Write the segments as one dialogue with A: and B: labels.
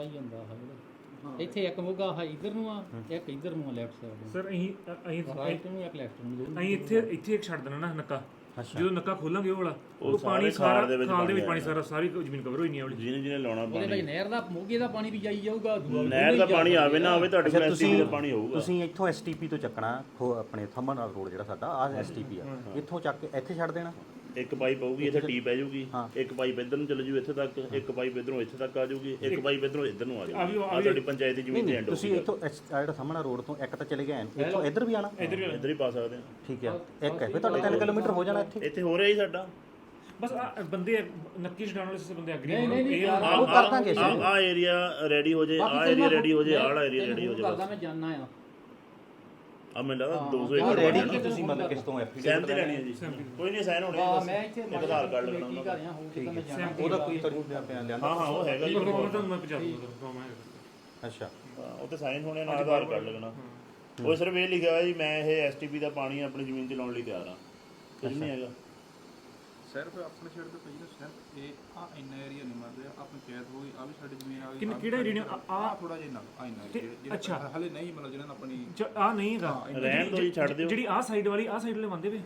A: ਜਾਂਦਾ ਹਾਂ ਇੱਥੇ ਇੱਕ ਮੋਗਾ ਆ ਇਧਰ ਨੂੰ ਆ ਇੱਕ ਇਧਰ ਨੂੰ ਆ ਲੈਫਟ ਸਾਈਡ
B: ਸਰ ਅਸੀਂ
A: ਰਾਈਟ ਨੂੰ ਇੱਕ ਲੈਫਟ ਨੂੰ
B: ਅਸੀਂ ਇੱਥੇ ਇੱਕ ਛੱਡ ਦੇਣਾ ਨਾ ਨੱਕਾ ਜਦੋਂ ਨੱਕਾ ਖੋਲਾਂਗੇ ਉਹ ਵਾਲਾ ਉਹ ਪਾਣੀ ਸਾਰਾ ਖਾਲ ਦੇ ਵਿੱਚ ਪਾਣੀ ਸਾਰੀ ਜ਼ਮੀਨ ਕਵਰ ਹੋਈ ਨਹੀਂ ਆਉਣੀ
C: ਜਿਹਨੇ ਲਾਉਣਾ
A: ਉਹਦੇ ਵਿੱਚ ਨਹਿਰ ਦਾ ਮੋਗੇ ਦਾ ਪਾਣੀ ਵੀ ਜਾਈ ਜਾਊਗਾ
C: ਨਹਿਰ ਦਾ ਪਾਣੀ ਆਵੇ ਨਾ ਆਵੇ ਤੁਹਾਡੇ ਕੋਲ ਐਸਟੀਪੀ ਦਾ ਪਾਣੀ ਹੋਊਗਾ।
D: ਤੁਸੀਂ ਇੱਥੋਂ ਐਸਟੀਪੀ ਤੋਂ ਚੱਕਣਾ ਆਪਣੇ ਥੰਮਨ ਰੋਡ ਜਿਹੜਾ ਸਾਡਾ ਆਹ ਐਸਟੀਪੀ ਆ ਇੱਥੋਂ ਚੱਕ ਕੇ ਇੱਥੇ ਛੱਡ ਦੇਣਾ।
C: ਇੱਕ ਪਾਈਪ ਆਊਗੀ ਇੱਥੇ ਟੀ ਪੈ ਜਾਊਗੀ ਇੱਕ ਪਾਈਪ ਇੱਧਰ ਨੂੰ ਚੱਲ ਜੂ ਇੱਥੇ ਤੱਕ ਇੱਕ ਪਾਈਪ ਇੱਧਰੋਂ ਇੱਥੇ ਤੱਕ ਆ ਜਾਊਗੀ ਇੱਕ ਪਾਈਪ ਇੱਧਰੋਂ ਇੱਧਰ ਨੂੰ ਆ ਜਾਊਗੀ ਆ ਤੁਹਾਡੀ ਪੰਚਾਇਤ ਦੀ ਜ਼ਮੀਨ ਤੇ ਐਂਡ
D: ਤੁਸੀਂ ਇੱਥੋਂ ਜਿਹੜਾ ਥੰਮਨ ਰੋਡ ਤੋਂ ਇੱਕ ਤਾਂ ਚਲੇ ਗਏ ਇੱਥੋਂ ਇੱਧਰ ਵੀ ਆਣਾ
C: ਇੱਧਰ ਹੀ ਪਾ ਸਕਦੇ ਆ।
D: ਠੀਕ ਹੈ ਇੱਕ ਹੈ ਫਿਰ ਤੁਹਾਡੇ 3 ਕਿਲੋਮੀਟਰ ਹੋ ਜਾਣਾ ਇੱਥੇ
C: ਹੋ ਰਿਹਾ ਹੀ ਸਾਡਾ
B: ਬਸ ਬੰਦੇ ਨੱਕੀ ਛਡਾਉਣ ਵਾਲੇ ਸੇ ਬੰਦੇ ਅਗਰੀ
D: ਉਹ ਕਰ ਦਾਂਗੇ
C: ਆ ਏਰੀਆ ਰੈਡੀ ਹੋ ਜੇ ਆ ਏਰੀਆ ਰੈਡੀ ਹੋ ਜੇ ਆਹ ਏਰੀਆ ਰੈਡੀ ਹੋ ਜੇ
A: ਕਰਦਾ ਮੈਂ ਜਾਣਨਾ ਆ
C: ਆ ਮੈਨੂੰ ਲੱਗਦਾ 200 ਏਕੜ
D: ਰੈਡੀ ਕੀ ਤੁਸੀਂ ਮਤਲਬ ਕਿਸ ਤੋਂ
C: ਸਹਿਮਤੀ ਤੇ ਲੈਣੀ ਹੈ ਜੀ ਕੋਈ ਨਹੀਂ ਸਾਈਨ ਹੋਣੇ ਬਸ
A: ਮੈਂ ਇੱਥੇ
C: ਆਧਾਰ ਕਾਰਡ ਲੱਗਣਾ
A: ਕੀ ਕਰ ਰਿਹਾ ਹੋਊਗਾ ਮੈਂ ਜਾਣਾ
D: ਉਹਦਾ ਕੋਈ ਤੁਹਾਨੂੰ ਲਿਆਂਦਾ
C: ਹਾਂ ਉਹ ਹੈਗਾ ਜੀ
B: ਤੁਹਾਨੂੰ ਮੈਂ ਪਹੁੰਚਾ ਦੂੰਗਾ
D: ਅੱਛਾ
C: ਉਹ ਤੇ ਸਾਈਨ ਹੋਣੇ ਨਾਲ ਆਧਾਰ ਕਾਰਡ ਲੱਗਣਾ ਉਹ ਸਿਰਫ ਇਹ ਲਿਖਿਆ ਹੋਇਆ ਜੀ ਮੈਂ ਇਹ ਐਸਟੀਪੀ ਦਾ ਪਾਣੀ ਆਪਣੀ ਜ਼ਮੀਨ 'ਚ ਲਾਉਣ ਲਈ ਤਿਆਰ ਹਾਂ ਕੁਝ ਨਹੀਂ ਹੈਗਾ
E: ਸਿਰਫ ਆਪਣੇ ਛੇੜ ਤੇ ਪਈ ਨਾ ਸਿਰਫ ਇਹ ਆ ਇੰਨਾ ਏਰੀਆ ਨਹੀਂ ਮੰਨਦੇ ਆ ਪੰਚਾਇਤ ਹੋ ਗਈ ਆ ਵੀ ਸਾਡੀ ਜ਼ਮੀਨ ਆ ਗਈ
B: ਕਿਹੜਾ ਏਰੀਆ
E: ਆ ਥੋੜਾ ਜਿਹਾ ਨਾ ਆ ਇੰਨਾ ਏਰੀਆ ਹਲੇ ਨਹੀਂ ਮਤਲਬ ਜਿਹਨਾਂ ਆਪਣੀ
B: ਆ ਨਹੀਂ ਹੈਗਾ
C: ਰਹਿਣ ਦੋ ਜੀ ਛੱਡ ਦਿਓ
B: ਜਿਹੜੀ ਆ ਸਾਈਡ ਵਾਲੀ ਆ ਸਾਈਡ ਵਾਲੇ ਬੰਦੇ ਵੇ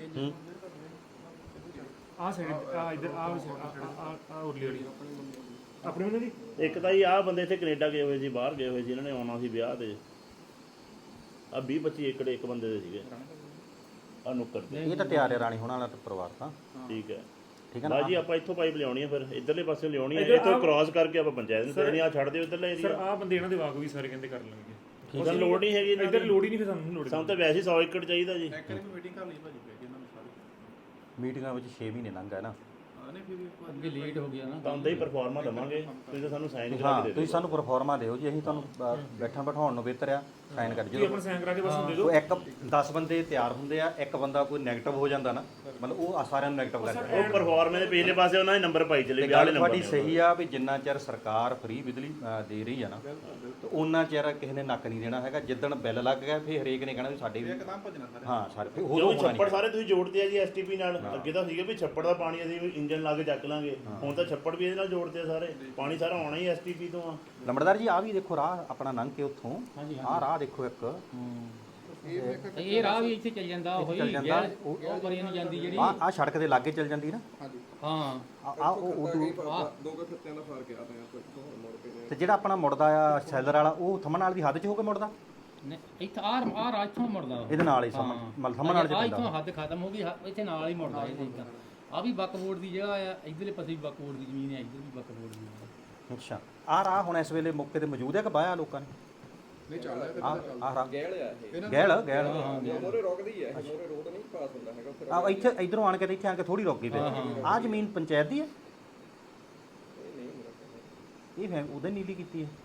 B: ਆ ਸਾਈਡ ਆ ਇਧਰ ਆ ਉਰਲੀ ਵਾਲੀ ਆਪਣੇ ਬੰਦੇ ਦੀ
C: ਇੱਕ ਤਾਂ ਜੀ ਆਹ ਬੰਦੇ ਇੱਥੇ ਕੈਨੇਡਾ ਗਏ ਹੋਏ ਸੀ ਬਾਹਰ ਗਏ ਹੋਏ ਸੀ ਇਹਨਾਂ ਨੇ ਆਉਣਾ ਸੀ ਵਿਆਹ ਤੇ ਆ 20-25 ਏਕੜ ਇੱਕ ਬੰਦੇ ਦੇ ਸੀਗੇ ਆ ਨੁੱਕਰ ਤੇ
D: ਇਹ ਤਾਂ ਤਿਆਰ ਹੈ ਰਾਣੀ ਹੋਣਾ ਵਾਲਾ ਪਰਿਵਾਰ ਤਾਂ
C: ਠੀਕ ਹੈ
D: ਠੀਕ ਹੈ
C: ਬਾਜੀ ਆਪਾਂ ਇੱਥੋਂ ਪਾਈਪ ਲਿਆਉਣੀ ਹੈ ਫਿਰ ਇੱਧਰਲੇ ਪਾਸੇ ਲਿਆਉਣੀ ਹੈ ਇੱਥੋਂ ਕ੍ਰਾਸ ਕਰਕੇ ਆਪਾਂ ਪੰਚਾਇਤ ਨੂੰ ਦੇਣੀ ਆ ਛੱਡ ਦਿਓ ਇੱਧਰਲੇ ਏਰੀਆ
B: ਸਰ ਆ ਬੰਦੇ ਇਹਨਾਂ ਦੇ ਵਾਕ ਵੀ ਸਾਰੇ ਕਹਿੰਦੇ ਕਰ ਲੈਣਗੇ
C: ਉਹਦਾ ਲੋੜ ਨਹੀਂ ਹੈਗੀ
B: ਇੱਧਰ ਲੋੜ ਹੀ ਨਹੀਂ ਫਿਰ ਸਾਨੂੰ ਲੋੜ
C: ਸਾਨੂੰ ਤਾਂ ਵੈਸੇ 100 ਏਕੜ ਚਾਹੀਦਾ ਜੀ
E: ਇੱਕ ਵਾਰੀ ਮੀਟਿੰਗ ਕਰ ਲਈ ਭਾਜੀ ਪੈ ਗਈ ਇਹਨਾਂ ਨੂੰ ਸਾਰੀ
D: ਮੀਟਿੰਗਾਂ ਵਿੱਚ 6 ਮਹੀਨੇ ਲੰਘ ਗਏ ਨਾ
E: ਨਹੀਂ ਫਿਰ
A: ਅੱਗੇ ਲੇਟ ਹੋ ਗਿਆ ਨਾ
C: ਤਾਂ ਹੀ ਪਰਫਾਰਮਾ ਦਵਾਂਗੇ ਤੁਸੀਂ ਤਾਂ ਸਾਨੂੰ ਸਾਈਨ ਕਰਾ
D: ਹਾਂ
C: ਕੇ ਦੇ
D: ਤੁਸੀਂ ਸਾਨੂੰ ਪਰਫਾਰਮਾ ਦਿਓ ਜੀ ਅਸੀਂ ਤੁਹਾਨੂੰ ਬੈਠਣ ਬਿਠਾਉਣ ਨੂੰ ਬਿਹਤਰ ਆ ਸਾਈਨ ਕਰ ਜਦੋਂ
B: ਆਪਣਾ ਸਾਈਨ ਕਰਾ ਕੇ ਬਸ ਦੇ ਦਿਓ
D: ਉਹ ਇੱਕ 10 ਬੰਦੇ ਤਿਆਰ ਹੁੰਦੇ ਆ ਇੱਕ ਬੰਦਾ ਕੋਈ ਨੈਗੇਟਿਵ ਹੋ ਜਾਂਦਾ ਨਾ ਮਤਲਬ ਉਹ ਸਾਰਿਆਂ ਨੂੰ ਨੈਗੇਟਿਵ ਕਰ
C: ਉਹ ਪਰਫਾਰਮੇ ਦੇ ਪਿਛਲੇ ਪਾਸੇ ਉਹਨਾਂ ਨੇ ਨੰਬਰ ਪਾਈ ਚਲੇ
D: ਗੱਲ ਤੁਹਾਡੀ ਸਹੀ ਆ ਵੀ ਜਿੰਨਾ ਚਿਰ ਸਰਕਾਰ ਫ੍ਰੀ ਬਿਜਲੀ ਦੇ ਰਹੀ ਆ ਨਾ ਤੇ ਉਹਨਾਂ ਚਿਰ ਕਿਸੇ ਨੇ ਨੱਕ ਨਹੀਂ ਦੇਣਾ ਹੈਗਾ ਜਿੱਦਣ ਬਿੱਲ ਲੱਗ ਗਿਆ ਫਿਰ ਹਰੇਕ ਨੇ ਕਹਿਣਾ ਵੀ ਸਾਡੇ ਵੀ
E: ਇੱਕਦਮ ਭੱਜਣਾ ਸਾਰੇ
D: ਹਾਂ ਸਾਰੇ ਫਿਰ
C: ਉਹ ਛੱਪੜ ਸਾਰੇ ਤੁਸੀਂ ਜੋੜਦੇ ਆ ਜੀ ਐਸਟੀਪੀ ਨਾਲ ਅੱਗੇ ਤਾਂ ਸੀਗਾ ਵੀ ਛੱਪੜ ਦਾ ਪਾਣੀ ਅਸੀਂ ਇੰਜਨ ਲਾ ਕੇ ਚੱਕ ਲਾਂਗੇ ਹੁਣ ਤਾਂ ਛੱਪੜ ਵੀ ਇਹਦੇ ਨਾਲ ਜੋੜਦੇ ਆ ਸਾਰੇ ਪਾਣੀ ਸਾਰਾ ਆਉਣਾ ਹੀ ਐਸਟੀਪੀ ਤੋਂ ਆ
D: ਲੰਬੜਦਾਰ ਜੀ ਆ ਵੀ ਦੇਖੋ ਰਾਹ ਆਪਣਾ ਲੰਘ ਕੇ ਉੱਥੋਂ ਆਹ ਰਾਹ ਦੇਖੋ ਇੱਕ
A: ਇਹ ਰਾਹ ਵੀ ਇੱਥੇ ਚੱਲ ਜਾਂਦਾ ਉਹ
D: ਚੱਲ ਜਾਂਦਾ
A: ਉਹ ਪਰੇ ਨੂੰ ਜਾਂਦੀ ਜਿਹੜੀ
D: ਆ ਸੜਕ ਦੇ ਲਾਗੇ ਚੱਲ ਜਾਂਦੀ ਨਾ
E: ਹਾਂਜੀ
A: ਹਾਂ
D: ਆ ਉਹ
E: ਦੋ ਕੁ ਫਿੱਤਿਆਂ ਦਾ ਫਰਕ ਆ ਤਾਂ ਆਪਾਂ ਇੱਥੋਂ ਮੁੜ ਕੇ
D: ਤੇ ਜਿਹੜਾ ਆਪਣਾ ਮੁੜਦਾ ਆ ਸੈਲਰ ਵਾਲਾ ਉਹ ਥੰਮਣ ਨਾਲ ਦੀ ਹੱਦ 'ਚ ਹੋ ਕੇ ਮੁੜਦਾ
A: ਇੱਥੇ ਆ ਰਾਹ ਇੱਥੋਂ ਮੁੜਦਾ
D: ਇਹਦੇ ਨਾਲ ਹੀ ਥੰਮਣ ਨਾਲ 'ਚ
A: ਆ
D: ਪੈਂਦਾ
A: ਇੱਥੋਂ ਹੱਦ ਖਤਮ ਹੋ ਗਈ ਇੱਥੇ ਨਾਲ ਹੀ ਮੁੜਦਾ ਇਹ ਇਦਾਂ ਆ ਵੀ ਬੱਕਬੋਰਡ ਦੀ ਜਗ੍ਹਾ ਆ ਇਧਰਲੇ ਪਾਸੇ ਵੀ ਬੱਕਬੋਰਡ ਦੀ ਜ਼ਮੀਨ ਹੈ ਇੱਧਰ ਵੀ ਬੱਕਬੋਰਡ ਦੀ ਜ਼ਮੀਨ
D: ਅੱਛਾ ਆ ਰਾਹ ਹੁਣ ਇਸ ਵੇਲੇ ਮੌਕੇ ਤੇ ਮੌਜੂਦ ਹੈ ਕਿ ਬਾਇਆ ਲੋਕਾਂ ਨੇ
E: ਨਹੀਂ ਚੱਲ ਰਿਹਾ
D: ਆ ਰਾਹ
F: ਗੈਲ ਆ ਇਹ
D: ਗੈਲ
F: ਮੋਰੇ ਰੁਕਦੀ ਹੈ ਮੋਰੇ ਰੋਡ ਨਹੀਂ ਪਾਸ ਹੁੰਦਾ ਹੈਗਾ ਉੱਥੇ
D: ਆ ਇੱਥੇ ਇਧਰੋਂ ਆਣ ਕੇ ਤੇ ਇੱਥੇ ਆਣ ਕੇ ਥੋੜੀ ਰੁਕ ਗਈ ਫਿਰ ਆ ਜ਼ਮੀਨ ਪੰਚਾਇਤ ਦੀ ਹੈ ਇਹ ਫੈਮ ਉਹਦੇ ਨੀਲੀ ਕੀਤੀ ਹੈ